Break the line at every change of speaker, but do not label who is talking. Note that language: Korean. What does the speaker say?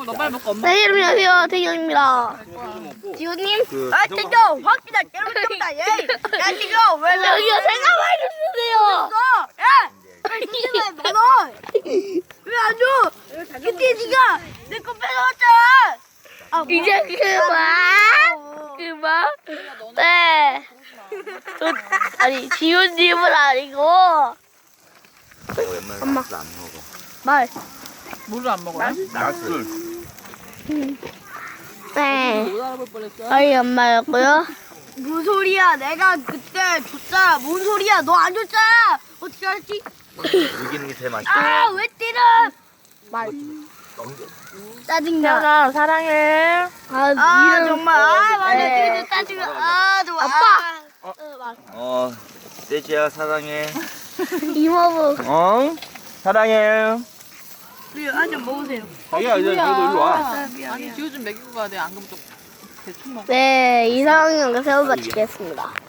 너 빨리 먹고 엄마.
네, 안녕하세요. 태경입니다. 지호님?
아, 땡겨! 확실하 깨끗다, 얘! 야, 땡겨! 왜
여기요, 생각 많이 주세요.
야! 이게 왜 너? 왜안 줘? 그때 니가 내 거 뺏어왔잖아! 아,
이제 그만. 네. 아니, 지호님은 아니고.
엄마 안 먹어.
말.
물을 안 먹어요?
낮술.
네.
못 알아볼 뻔했어.
저희 엄마였고요.
뭔 소리야? 내가 그때 줬잖아. 뭔 소리야? 너 안 줬잖아. 어떻게 알았지?
이기는 게 제일 맛있다.
아, 왜 때려?
말.
짜증나.
태연아 사랑해.
아, 정말. 아, 맞아.
네.
그래도 짜증나. 아, 정말.
아빠.
어, 떼지야 사랑해.
이모부.
어? 사랑해.
우리 한잔 먹으세요.
자기야 이제 너도 일로 와.
아니 지호 좀 먹이고 가야 돼. 안 그러면 또 대충 먹어.
네, 이상한 영상 새우 마치겠습니다.